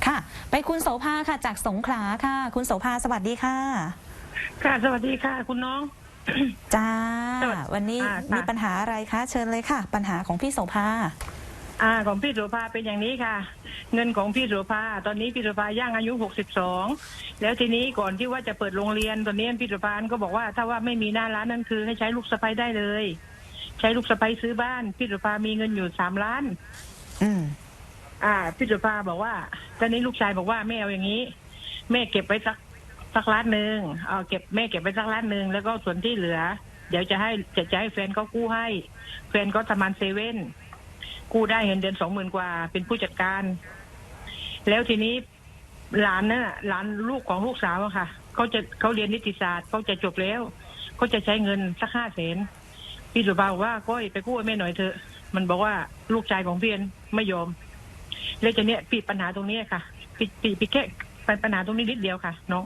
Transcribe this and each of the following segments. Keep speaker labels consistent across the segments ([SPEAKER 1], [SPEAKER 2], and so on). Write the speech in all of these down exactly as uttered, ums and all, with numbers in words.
[SPEAKER 1] ค่ะไปคุณโสภาค่ะจากสงขลาค่ะคุณโสภาสวัสดีค่ะ
[SPEAKER 2] ค่ะสวัสดีค่ะคุณน้อง
[SPEAKER 1] จ้าวันนี้มีปัญหาอะไรคะเชิญเลยค่ะปัญหาของพี่โสภา
[SPEAKER 2] อ่าของพี่โสภาเป็นอย่างนี้ค่ะเงินของพี่โสภาตอนนี้พี่โสภาย่างอายุหกสิบสองแล้วทีนี้ก่อนที่ว่าจะเปิดโรงเรียนตอนนี้พี่โสภาก็บอกว่าถ้าว่าไม่มีหน้าร้านนั่นคือให้ใช้ลูกสะใภ้ได้เลยใช้ลูกสะใภ้ซื้อบ้านพี่โสภามีเงินอยู่สามล้าน
[SPEAKER 1] อืม
[SPEAKER 2] อ่าพี่โสภาบอกว่าตอนนี้ลูกชายบอกว่าแม่เอาอย่างนี้แม่เก็บไว้สักสักล้านหนึ่งเอาเก็บแม่เก็บไว้สักล้านหนึ่งแล้วก็ส่วนที่เหลือเดี๋ยวจะให้จะจะให้แฟนเขากู้ให้แฟนเขาทำงานเซเว่นกู้ได้เงินเดือนสองหมื่นกว่าเป็นผู้จัดการแล้วทีนี้หลานน่ะหลานลูกของลูกสาวอะค่ะเขาจะเขาเรียนนิติศาสตร์เขาจะจบแล้วเขาจะใช้เงินสักห้าแสนพี่สุภาบอกว่าก้อยไปกู้แม่หน่อยเถอะมันบอกว่าลูกชายของพี่ไม่ยอมเลยจะเนี่ยปิดปัญหาตรงนี้ค่ะปิดปิดปิดแค่ปัญหาตรงนี้นิดเดียวค่ะน้อง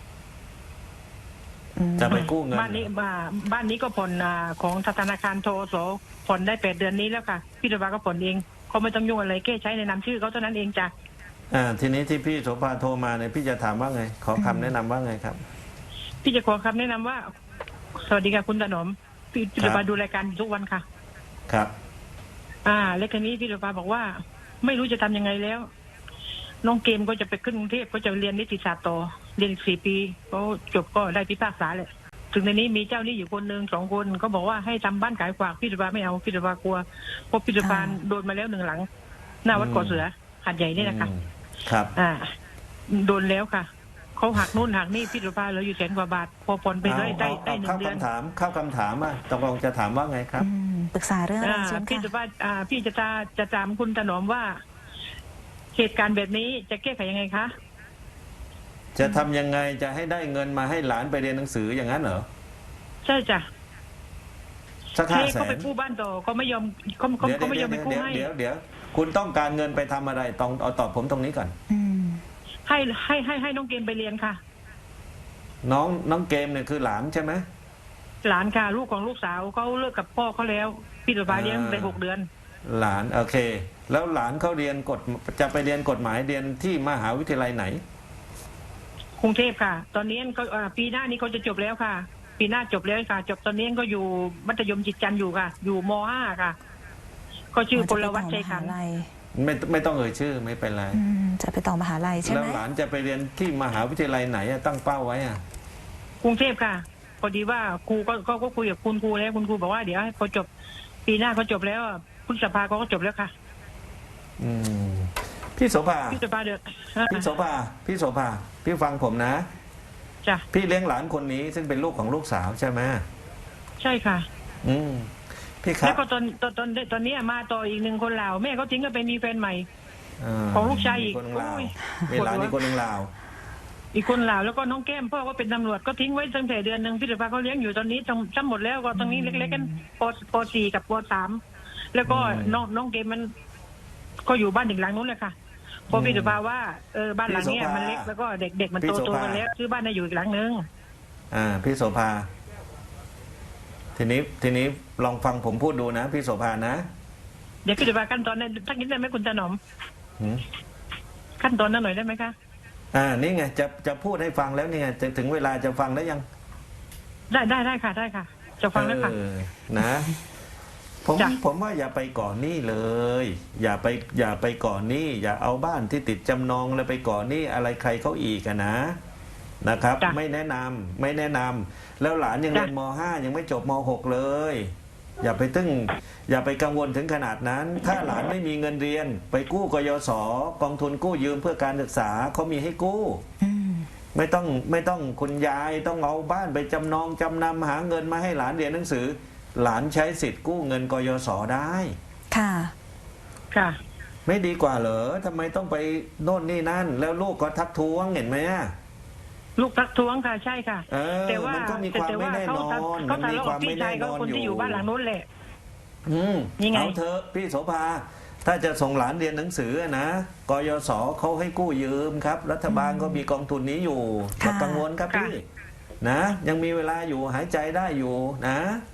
[SPEAKER 3] จะไปกู้เงิน
[SPEAKER 2] บ้านนี้บ้านนี้ก็ผ่อนของธนาคารโทโสผ่อนได้แปดเดือนนี้แล้วค่ะพี่สุภาก็ผ่อนเองเขาไม่ต้องยุ่งอะไรแค่ใช้ในนามชื่อเขาเท่านั้นเองจ้ะ
[SPEAKER 3] อ่าทีนี้ที่พี่โสภาโทรมาเนี่ยพี่จะถามว่าไงขอคำแนะนำว่าไงครับ
[SPEAKER 2] พี่จะขอคำแนะนำว่าสวัสดีค่ะคุณถนอมพี่พี่สุภาดูรายการทุกวันค่ะ
[SPEAKER 3] ครับ
[SPEAKER 2] อ่าแล้วทีนี้พี่สุภาบอกว่าไม่รู้จะทำยังไงแล้วน้องเกมก็จะไปขึ้นกรุงเทพก็จะเรียนนิติศาสตร์ต่อเรียนอีกสี่ปีเขาจบก็ได้พิพากษาเลยถึงในนี้มีเจ้าหนี้อยู่คนหนึ่งสองคนก็บอกว่าให้ทำบ้านขายฝากพี่สุภาไม่เอาพี่สุภากลัวเพราะพี่สุภาโดนมาแล้วหนึ่งหลังหน้าวัดก่อเสือหาดใหญ่นี่นะคะ
[SPEAKER 3] ครับ
[SPEAKER 2] อ่าโดนแล้วค่ะเขาหักนู่นหักนี่พี่สุภาเหลืออยู่แสนกว่าบาทพอผ่อนไปได้ได้ได้หนึ่งเดือน
[SPEAKER 3] เข้าคำถามเข้าคำถามอ่ะตกลงจะถามว่าไงครับ
[SPEAKER 1] ปรึกษาเรื่องอะไรเช่น
[SPEAKER 2] พี่สุภาอ่าพี่จะจะจะถามคุณถนอมว่าเหตุการณ์แบบนี้จะแก้ไขยังไงคะ
[SPEAKER 3] จะทำยังไงจะให้ได้เงินมาให้หลานไปเรียนหนังสืออย่างนั้นเหรอ
[SPEAKER 2] ใช่จ้ะ
[SPEAKER 3] สักห้าแสน
[SPEAKER 2] เขาไปกู้บ้านต่อเขาไม่ยอมเขาเขาเขาไม่ยอมไปกู้ให้
[SPEAKER 3] เดี๋ยวเดี๋ยวคุณต้องการเงินไปทำอะไรต้องเอาตอบผมตรงนี้ก่อน
[SPEAKER 2] ให้ให้ให้ให้น้องเกมไปเรียนค่ะ
[SPEAKER 3] น้องน้องเกมเนี่ยคือหลานใช่ไหม
[SPEAKER 2] หลานค่ะลูกของลูกสาวเขาเลิกกับพ่อเขาแล้วพี่สุภาเลี้ยงได้หกเดือน
[SPEAKER 3] หลานโอเคแล้วหลานเขาเรียนกฎจะไปเรียนกฎหมายเรียนที่มหาวิทยาลัยไหน
[SPEAKER 2] กรุงเทพค่ะตอนนี้ก็ปีหน้านี้เขาจะจบแล้วค่ะปีหน้าจบแล้วค่ะจบตอนนี้ก็อยู่มัธยมจิตจันทร์อยู่ค่ะอยู่ม.ห้า ค่ะเขาชื่อพลวัฒน์ชัยขันธ์
[SPEAKER 3] ไม่ไม่ต้องเอ่ยชื่อไม่เป็นไร
[SPEAKER 1] จะไปต่อมหาลัยใช่ไหม
[SPEAKER 3] แล้วหลานจะไปเรียนที่มหาวิทยาลัยไหนตั้งเป้าไว้อ่ะ
[SPEAKER 2] กรุงเทพค่ะพอดีว่าครูก็ก็คุยกับคุณครูแล้วคุณครูบอกว่าเดี๋ยวพอจบปีหน้าเขาจบแล้วพฤษภาเขาก็จบแล้วค่ะ
[SPEAKER 3] อืมพี่โสภา
[SPEAKER 2] พี่โสภาเดือด
[SPEAKER 3] พี่โสภาพี่โสภาพี่ฟังผมนะ
[SPEAKER 2] จ้ะ
[SPEAKER 3] พี่เลี้ยงหลานคนนี้ซึ่งเป็นลูกของลูกสาวใช่ไหม
[SPEAKER 2] ใช่ค่ะ
[SPEAKER 3] อืมพี่ครับ
[SPEAKER 2] แล้วก็ตอนตอนตอนตอนนี้มาต่ออีกหนึ่งคนลาวแม่เขาทิ้งก็ไปมีแฟนใหม่ของลูกชายอีก
[SPEAKER 3] มีหลานอีกคนหนึ่งลาว
[SPEAKER 2] อีกคนลาวแล้วก็น้องแก้มพ่อก็เป็นตำรวจก็ทิ้งไว้ตั้งแต่เดือนหนึ่งพี่สุภาเขาเลี้ยงอยู่ตอนนี้ทั้งหมดแล้วก็ตรงนี้เล็กๆกันปปสี่กับปสามแล้วก็น้องน้องเกมมันก็อยู่บ้านอีกหลังนู้นเลยค่ะพอพี่สุภาว่าเออบ้านหลังนี้มันเล็กแล้วก็เด็กๆมันโตโตกันแล้วซื้อบ้านได้อยู่อีกหลังนึง
[SPEAKER 3] อ่าพี่โสภาทีนี้ทีนี้ลองฟังผมพูดดูนะพี่โสภานะ
[SPEAKER 2] เดี๋ยวพี่สุภาขั้นตอนนั้นทักนิดได้ไหมคุณถนอมขั้นตอนนั้นหน่อยได้ไหมคะ
[SPEAKER 3] อ่านี่ไงจะจะพูดให้ฟังแล้วนี่ไงจะถึงเวลาจะฟังแล้วยัง
[SPEAKER 2] ได้ได้ได้ค่ะได้ค่ะจะฟังแล้วค่ะ
[SPEAKER 3] นะผมผมว่าอย่าไปก่อนหนี้เลย อย่าไปอย่าไปก่อนหนี้อย่าเอาบ้านที่ติดจำนองแล้วไปก่อนหนี้อะไรใครเขาอีกนะนะครับไม่แนะนำไม่แนะนำแล้วหลานยังเรียนม.ห้า ยังไม่จบม.หก เลยอย่าไปตึ้งอย่าไปกังวลถึงขนาดนั้นถ้าหลานไม่มีเงินเรียนไปกู้กยศกองทุนกู้ยืมเพื่อการศึกษาเขามีให้กู้ไม่ต้องไม่ต้องคุณยายต้องเอาบ้านไปจำนองจำนำหาเงินมาให้หลานเรียนหนังสือหลานใช้สิทธิ์กู้เงินกยศได้
[SPEAKER 1] ค่ะ
[SPEAKER 2] ค่ะ
[SPEAKER 3] ไม่ดีกว่าเหรอทำไมต้องไปโน่นนี่นั่นแล้วลูกก็ทักท้วงเห็นไหม
[SPEAKER 2] ลูกทักท้วงค่ะใช่ค่ะแต่ว่า
[SPEAKER 3] มันก็มีความไม่แน่นอน
[SPEAKER 2] เขาทะเลาะกับพี่ชายก็คนที่อยู่บ้านหลังนู้นแหละ
[SPEAKER 3] อืมเอาเถอะพี่โสภาถ้าจะส่งหลานเรียนหนังสือนะกยศเขาให้กู้ยืมครับรัฐบาลก็มีกองทุนนี้อยู่อย่ากังวลครับพี่นะยังมีเวลาอยู่หายใจได้อยู่นะ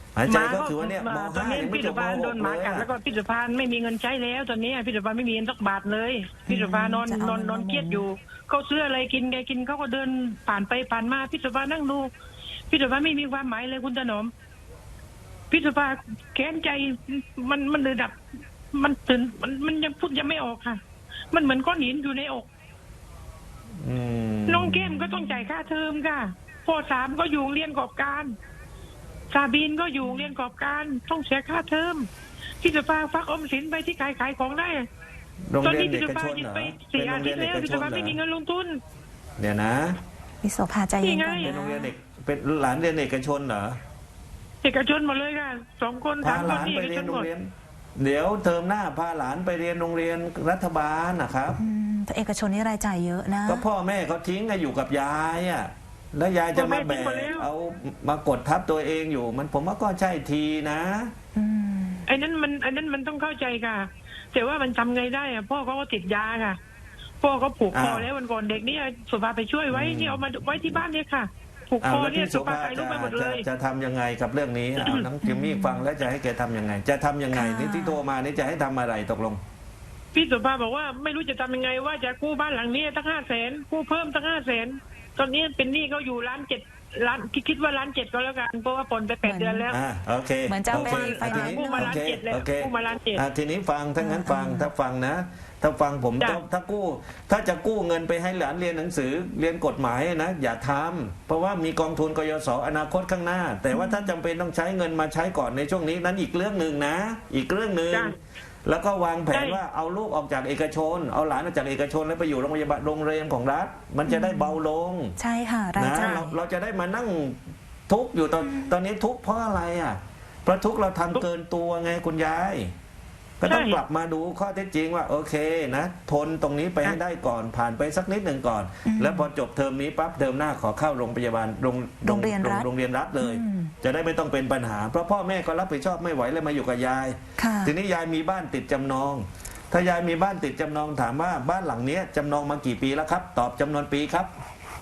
[SPEAKER 3] หายใจก็คือว่าเนี่ยม
[SPEAKER 2] ตอน
[SPEAKER 3] ห้า
[SPEAKER 2] นี้
[SPEAKER 3] ยังไม่
[SPEAKER 2] พี่
[SPEAKER 3] จ
[SPEAKER 2] สุ
[SPEAKER 3] บม
[SPEAKER 2] ภา
[SPEAKER 3] ห
[SPEAKER 2] โด
[SPEAKER 3] ก
[SPEAKER 2] นหมา
[SPEAKER 3] เลย
[SPEAKER 2] กัด
[SPEAKER 3] อะ
[SPEAKER 2] แล้วก็พี่สุภาไม่มีเงินใช้แล้วตอนนี้พี่สุภาไม่มีเงินสักบาทเลยพี่สุภานอน
[SPEAKER 1] จะเอา
[SPEAKER 2] นอน
[SPEAKER 1] เงิน
[SPEAKER 2] นอน
[SPEAKER 1] มา
[SPEAKER 2] เครียดอยู่เขาซื้ออะไรกินแกกินเขาก็เดินผ่านไปผ่านมาพี่สุภานั่งดูพี่สุภาไม่มีความหมายเลยคุณถนอมพี่สุภาแค้นใจมันมันเลยดับ มันตื่นมันมันยังพูดยังไม่ออกค่ะ มันเหมือนก้อนหินอยู่ในอก
[SPEAKER 3] อืม
[SPEAKER 2] น้องเกมก็ต้องจ่ายค่าเทอมค่ะพ่อสามก็อยู่โรงเรียนกอบการซาบีนก็อยู่โรงเรียนกอบการต้องเสียค่าเทอมพี่สุภาฟักออมสินไปที่ขายขายของได้
[SPEAKER 3] โรง
[SPEAKER 2] ตอน
[SPEAKER 3] เรีย
[SPEAKER 2] นี้
[SPEAKER 3] น
[SPEAKER 2] พี่
[SPEAKER 3] เอ
[SPEAKER 2] สุ
[SPEAKER 3] ก
[SPEAKER 2] ภา
[SPEAKER 3] ชน
[SPEAKER 2] หยุด
[SPEAKER 3] เหรอ
[SPEAKER 2] ไป
[SPEAKER 3] เป็
[SPEAKER 2] สี่
[SPEAKER 3] นโร
[SPEAKER 2] อาง
[SPEAKER 3] เรี
[SPEAKER 2] ทิ
[SPEAKER 3] ย
[SPEAKER 2] ต
[SPEAKER 3] น
[SPEAKER 2] ย์
[SPEAKER 3] เอ
[SPEAKER 2] แล้ว
[SPEAKER 3] ก
[SPEAKER 2] พี่
[SPEAKER 3] ช
[SPEAKER 2] สุ
[SPEAKER 3] น
[SPEAKER 2] ภา
[SPEAKER 3] เหร
[SPEAKER 2] ไม่
[SPEAKER 3] อ
[SPEAKER 2] มีเงินลงทุน
[SPEAKER 3] เดี๋ยวนะ
[SPEAKER 1] พี่โสภาใจเย็น
[SPEAKER 2] นี่ไง
[SPEAKER 1] ก่อน
[SPEAKER 3] เป็นโรงเรียน
[SPEAKER 1] นะ
[SPEAKER 3] เด็กเป็นหลานเรียนเอกชนเหรอ
[SPEAKER 2] เอกชนหมดเลยค่ะสองคนสา
[SPEAKER 3] พาม
[SPEAKER 2] ค
[SPEAKER 3] ห
[SPEAKER 2] น
[SPEAKER 3] ลาน
[SPEAKER 2] นี่
[SPEAKER 3] ไป
[SPEAKER 2] เอก
[SPEAKER 3] เรี
[SPEAKER 2] ช
[SPEAKER 3] ยน
[SPEAKER 2] น
[SPEAKER 3] โร
[SPEAKER 2] หม
[SPEAKER 3] ง
[SPEAKER 2] ด
[SPEAKER 3] เรียน เดี๋ยวเทอมหน้าพาหลานไปเรียนโรงเรียนรัฐบาลนะครับ
[SPEAKER 1] อืมแต่เอกชนนี่รายจ่ายเยอะนะ
[SPEAKER 3] ก็พ่อแม่เขาทิ้งให้อยู่กับยายอ่ะแล้วยายจะมาแบกเอามากดทับตัวเองอยู่ มันผมว่าก็ใช่ทีนะ
[SPEAKER 1] อืม
[SPEAKER 2] ไอ้นั้นมันไอ้นั้นมันต้องเข้าใจค่ะแต่ว่ามันทำไงได้อะพ่อเขาก็ติดยาค่ะพ่อเขาผูกคอ
[SPEAKER 3] อ้าว
[SPEAKER 2] แล้ววันก่อนเด็กนี่สุภาไปช่วยไว้
[SPEAKER 3] อืม
[SPEAKER 2] นี่เอามาไว้ที่บ้านเนี่ยค่ะ ผูก
[SPEAKER 3] อ้า
[SPEAKER 2] คว อ
[SPEAKER 3] แล้ว
[SPEAKER 2] เนี่ย
[SPEAKER 3] พี่โส
[SPEAKER 2] สุภา
[SPEAKER 3] ภา
[SPEAKER 2] ถ่ายรู
[SPEAKER 3] จะ
[SPEAKER 2] ปไปหมดเล
[SPEAKER 3] จะ
[SPEAKER 2] ย
[SPEAKER 3] จะทำยังไงกับเรื่องนี้เอาน้องจิมมี่ฟังแล้วจะให้แกทำยังไง จะทำยังไงนี่ที่โทรมานี่จะให้ทำอะไรตกลง
[SPEAKER 2] พี่สุภาบอกว่าไม่รู้จะทำยังไงว่าจะกู้บ้านหลังนี้ตั้งห้าแสนกู้เพิ่มตั้งห้าแสนตอนนี้เป็นหนี้เขาอยู่ล้านเจ็ดล้านคิดว่าล้านเจ็ดก็แล้วกันเพราะว่าผ่อนไปแปดเดือนแล้ว
[SPEAKER 3] อ่าโอเค
[SPEAKER 1] เหมือนจะ
[SPEAKER 3] โอ
[SPEAKER 1] เอาไป
[SPEAKER 3] เค
[SPEAKER 1] ไฟ
[SPEAKER 3] อ่ะที
[SPEAKER 1] แนน
[SPEAKER 3] นี้
[SPEAKER 1] ซ์
[SPEAKER 2] กู้มา
[SPEAKER 1] เน
[SPEAKER 2] ล้าน
[SPEAKER 1] อะ
[SPEAKER 2] เจ็ดแล้ว
[SPEAKER 3] โอเค
[SPEAKER 2] กู้มาล้านเจ็ด
[SPEAKER 3] อ่ะทีนี้ฟังถ้างั้นฟัง
[SPEAKER 1] อ่า
[SPEAKER 3] ถ้าฟังนะ ถ้าฟังผม
[SPEAKER 2] จ้ะ
[SPEAKER 3] ต้องถ้ากู้ ถ้าจะกู้เงินไปให้หลานเรียนหนังสือเรียนกฎหมายนะอย่าทำเพราะว่ามีกองทุนกยศอนาคตข้างหน้า แต่ว่าถ้าจำเป็นต้องใช้เงินมาใช้ก่อนในช่วงนี้นั้นอีกเรื่องหนึ่งนะ อีกเรื่องหนึ่ง
[SPEAKER 2] จ้ะ
[SPEAKER 3] แล้วก็วางแผน
[SPEAKER 2] ใช่
[SPEAKER 3] ว่าเอาลูกออกจากเอกชน เอาหลานออกจากเอกชนแล้วไปอยู่โรงพยาบาลโรงเรียนของรัฐ มันจะได้เบาลง
[SPEAKER 1] ใช่ค่ะ ราย
[SPEAKER 3] นะ
[SPEAKER 1] จ่าย
[SPEAKER 3] เราเราจะได้มานั่งทุกข์อยู่ตอนตอนนี้ทุกข์เพราะอะไรอ่ะเพราะทุกข์เราทำเกินตัวไงคุณยาย ก็ต้อง
[SPEAKER 2] ใช่
[SPEAKER 3] กลับมาดูข้อเท็จจริงว่าโอเคนะทนตรงนี้ไปให้ได้ก่อนผ่านไปสักนิดหนึ่งก่อน
[SPEAKER 1] อืม
[SPEAKER 3] แล้วพอจบเทอมนี้ปั๊บเทอมหน้าขอเข้าโรงพยาบาลโรง
[SPEAKER 1] โรงเรียนรัฐ
[SPEAKER 3] โรงเรียนรัฐเลย
[SPEAKER 1] อืม
[SPEAKER 3] จะได้ไม่ต้องเป็นปัญหา เพราะพ่อแม่ก็รับผิดชอบไม่ไหวเลยมาอยู่กับยาย
[SPEAKER 1] ค่ะ
[SPEAKER 3] ทีนี้ยายมีบ้านติดจำนอง ถ้ายายมีบ้านติดจำนองถามว่าบ้านหลังเนี้ยจำนองมากี่ปีแล้วครับ ตอบจำนวนปีครับ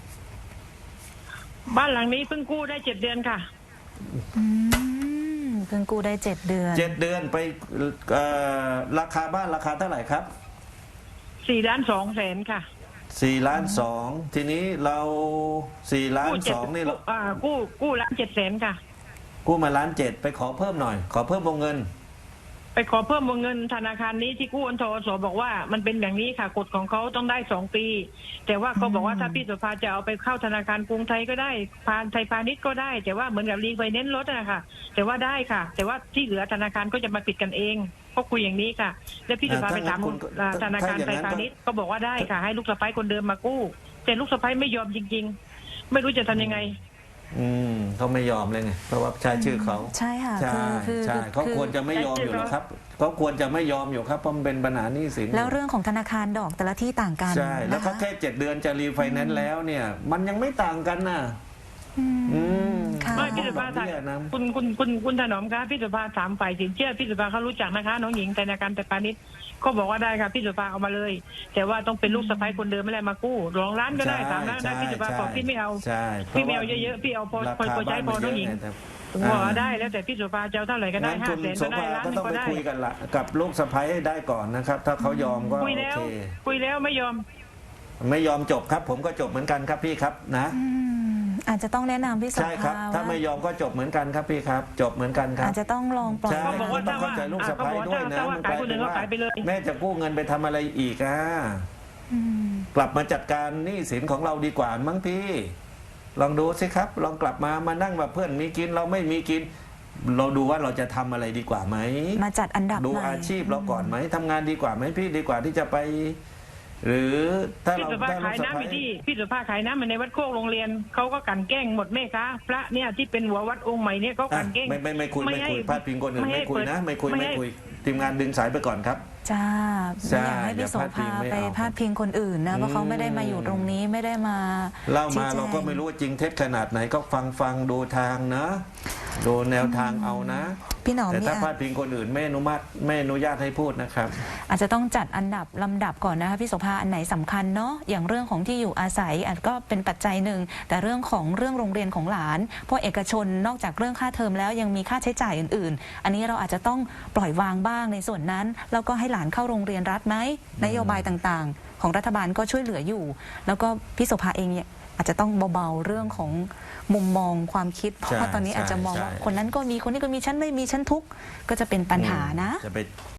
[SPEAKER 2] บ้านหลังนี้เพิ่งกู้ได้เจ็ดเดือนค่ะ
[SPEAKER 1] อืมเพิ่งกู้ได้เจ็ดเดือน
[SPEAKER 3] เจ็ดเดือนไปเอ่อราคาบ้านราคาเท่าไหร่ครับ
[SPEAKER 2] สี่ล้านสองแสนค่ะ
[SPEAKER 3] สี่ล้านสองทีนี้เราสี่ล้าน
[SPEAKER 2] กู้เจ็
[SPEAKER 3] ส
[SPEAKER 2] ด
[SPEAKER 3] องนี่เรา
[SPEAKER 2] อ่ากู้กู้ล้านเจ็ดแสนค่ะ
[SPEAKER 3] กู้มาล้านเจ็ดไปขอเพิ่มหน่อย ขอเพิ่มวงเงิน
[SPEAKER 2] ไปขอเพิ่มวงเงินธนาคารนี้ที่กู้อันทอสบอกว่ามันเป็นอย่างนี้ค่ะกฎของเขาต้องได้สองปี แต่ว่าเขาบอกว่าถ้าพี่สุภาจะเอาไปเข้าธนาคารกรุงไทยก็ได้พานไทยพาณิชย์ก็ได้ แต่ว่าเหมือนกับรีไฟแนนซ์รถนะคะแต่ว่าได้ค่ะ แต่ว่าที่เหลือธนาคารก็จะมาปิดกันเองก็คุยอย่างนี้ค่ะ แล้วพี่สุภา
[SPEAKER 3] อ่า
[SPEAKER 2] ไปถาม
[SPEAKER 3] ถ้างั้นคุณ
[SPEAKER 2] อ่าธนาคาร
[SPEAKER 3] ถ้าอย่าง
[SPEAKER 2] ไท
[SPEAKER 3] นั้
[SPEAKER 2] ย
[SPEAKER 3] น
[SPEAKER 2] พาณิชย์ก็บอกว่าได้ค่ะ ให้ลูกสะใภ้คนเดิมมากู้ แต่ลูกสะใภ้ไม่ยอมจริง ๆ ไม่รู้จะทำยังไง
[SPEAKER 3] อืมเขาไม่ยอมเลยไงเพราะว่าใช้ชื่อเขา
[SPEAKER 1] ใช่ค่ะ
[SPEAKER 3] ใช่
[SPEAKER 1] คือคือ
[SPEAKER 3] ใช่เขา
[SPEAKER 1] คือ
[SPEAKER 3] ควรจะไม่ยอมอยู่หรอกครับเขาควรจะไม่ยอมอยู่ครับเพราะมันเป็นปัญหาหนี้สิน
[SPEAKER 1] แล้วเรื่องของธนาคารดอกแต่ละที่ต่างกัน
[SPEAKER 3] ใช่แล้วเขา
[SPEAKER 1] นะคะ
[SPEAKER 3] แค่เจ็ดเดือนจะรีไฟแนนซ์แล้วเนี่ย มันยังไม่ต่างกันน่ะ
[SPEAKER 1] อืม
[SPEAKER 3] อืม
[SPEAKER 1] ค่ะ
[SPEAKER 2] ไม่พี่สุภา
[SPEAKER 3] ดอกเบี้ยนะ
[SPEAKER 2] คุณคุณคุณคุณถนอมคะพี่สุภาถามฝ่ายสินเชื่อพี่สุภาเขารู้จักนะคะ น้องหญิงธนาคารไทยพาณิชย์ก็บอกว่าได้ค่ะพี่สุภาเอามาเลย แต่ว่าต้องเป็นลูกสะใภ้คนเดิมไม่ได้มากู้สองล้านก็ได้สามล้านได้พี่สุภาบอกพี่ไม่เอา
[SPEAKER 3] ใช่
[SPEAKER 2] พี่ไม่เอาเยอะๆพี่เอาพอ
[SPEAKER 3] รา
[SPEAKER 2] พอ
[SPEAKER 3] คา
[SPEAKER 2] พอใช้พอ
[SPEAKER 3] บ้าน
[SPEAKER 2] น้
[SPEAKER 3] มั
[SPEAKER 2] อง
[SPEAKER 3] น
[SPEAKER 2] หญิง
[SPEAKER 3] เยอะไแต่
[SPEAKER 2] บอกว่าได้แล้วแต่พี่สุภาจะเอาเท่าไหร่ก็ได้
[SPEAKER 3] งั้น
[SPEAKER 2] ห้า
[SPEAKER 3] คุณ
[SPEAKER 2] แสน
[SPEAKER 3] โส
[SPEAKER 2] ก็ได้
[SPEAKER 3] ภา
[SPEAKER 2] ล้าน
[SPEAKER 3] ก็
[SPEAKER 2] หนึ
[SPEAKER 3] ต้อง
[SPEAKER 2] งก็
[SPEAKER 3] ไป
[SPEAKER 2] ได้
[SPEAKER 3] คุยกันละกับลูกสะใภ้ให้ได้ก่อนนะครับ ถ้าเขายอมก็
[SPEAKER 2] คุย
[SPEAKER 3] โอ
[SPEAKER 2] แล้ว
[SPEAKER 3] เค
[SPEAKER 2] คุยแล้วไม่ยอม
[SPEAKER 3] ไม่ยอมจบครับ ผมก็จบเหมือนกันครับพี่ครับนะ
[SPEAKER 1] อืมอาจจะต้องแนะนำพี่โส
[SPEAKER 3] ใช่ครับ
[SPEAKER 1] ภา
[SPEAKER 3] ถ้า
[SPEAKER 1] ว่า
[SPEAKER 3] ไม่ยอมก็จบเหมือนกันครับพี่ครับ จบเหมือนกันครับ
[SPEAKER 1] อาจจะต้องลองปล่อย
[SPEAKER 3] ใช่
[SPEAKER 2] เขาบอกว่า
[SPEAKER 3] ต้องเข้าใจลูกสะใภ้ด้วยนะ
[SPEAKER 2] ถ้าว่า
[SPEAKER 3] มัน
[SPEAKER 2] ขายคนอื่นก็ขายไปเลย
[SPEAKER 3] แม่จะกู้เงินไปทำอะไรอีกอ่ะ
[SPEAKER 1] อืม
[SPEAKER 3] กลับมาจัดการหนี้สินของเราดีกว่ามั้งพี่ ลองดูสิครับ ลองกลับมามานั่งแบบเพื่อนมีกินเราไม่มีกิน เราดูว่าเราจะทำอะไรดีกว่าไหม
[SPEAKER 1] มาจัดอันดับ
[SPEAKER 3] ดู
[SPEAKER 1] ใหม่
[SPEAKER 3] อาชีพเราก่อนไหมทำงานดีกว่าไหมพี่ดีกว่าที่จะไป หรือถ้า
[SPEAKER 2] พี่
[SPEAKER 3] เรา
[SPEAKER 2] สุภา
[SPEAKER 3] ถ้า
[SPEAKER 2] ขาย
[SPEAKER 3] สะ
[SPEAKER 2] น้ำอ
[SPEAKER 3] ใภ้
[SPEAKER 2] ยู่ที่พี่สุภาขายน้ำอยู่ในวัดโคกโรงเรียนเขาก็กลั่นแกล้งหมดแม่ค้าพระเนี่ยที่เป็นหัววัดองค์ใหม่เนี่ยเขาก
[SPEAKER 3] อ่ะ
[SPEAKER 2] ลั่นแกล้ง
[SPEAKER 3] ไม่ไม่ไม่คุยไม่
[SPEAKER 2] ให้
[SPEAKER 3] คุยพาดพิงคนอื่น
[SPEAKER 2] ให้
[SPEAKER 3] ไม่คุยนะ
[SPEAKER 2] เปิด
[SPEAKER 3] ไม่คุยไม่
[SPEAKER 2] ให้
[SPEAKER 3] คุยทีมงานดึงสายไปก่อนครับ
[SPEAKER 1] จ้า
[SPEAKER 3] ใช่
[SPEAKER 1] ไม่อยากให้พี่โส
[SPEAKER 3] อย่าพาดพิ
[SPEAKER 1] ภาง
[SPEAKER 3] ไม่
[SPEAKER 1] ไป
[SPEAKER 3] เอา
[SPEAKER 1] พาดพิงคนอื่นนะเพราะเขาไม่ได้มาอยู่ตรงนี้ไม่ได้มา
[SPEAKER 3] เล่ามา
[SPEAKER 1] ชี้แจง
[SPEAKER 3] เราก็ไม่รู้ว่าจริงเท็จขนาดไหนก็ฟังฟังดูทางนะดูแนวทางเอานะ
[SPEAKER 1] พี่หนอม
[SPEAKER 3] แต่
[SPEAKER 1] เนี่
[SPEAKER 3] ถ้าย พาดพิงคนอื่นไม่อนุมัติไม่อนุญาตให้พูดนะครับ
[SPEAKER 1] อาจจะต้องจัดอันดับลำดับก่อนนะคะพี่โสภาอันไหนสำคัญเนาะอย่างเรื่องของที่อยู่อาศัยอาจก็เป็นปัจจัยหนึ่งแต่เรื่องของเรื่องโรงเรียนของหลานเพราะเอกชนนอกจากเรื่องค่าเทอมแล้วยังมีค่าใช้จ่ายอื่นๆ อันนี้เราอาจจะต้องปล่อยวางบ้างในส่วนนั้นแล้วก็ให้หลานเข้าโรงเรียนรัฐไหมนโยบายต่างๆ ของรัฐบาลก็ช่วยเหลืออยู่ แล้วก็พี่โสภาเองเนี่ยอาจจะต้องเบาๆเรื่องของมุมมองความคิดเพราะว่าตอนนี้อาจจะมองว่าคนนั้นก็มีคนนี้ก็มีฉันไม่มีฉันทุกข์ก็จะเป็นปัญหานะ
[SPEAKER 3] จะไป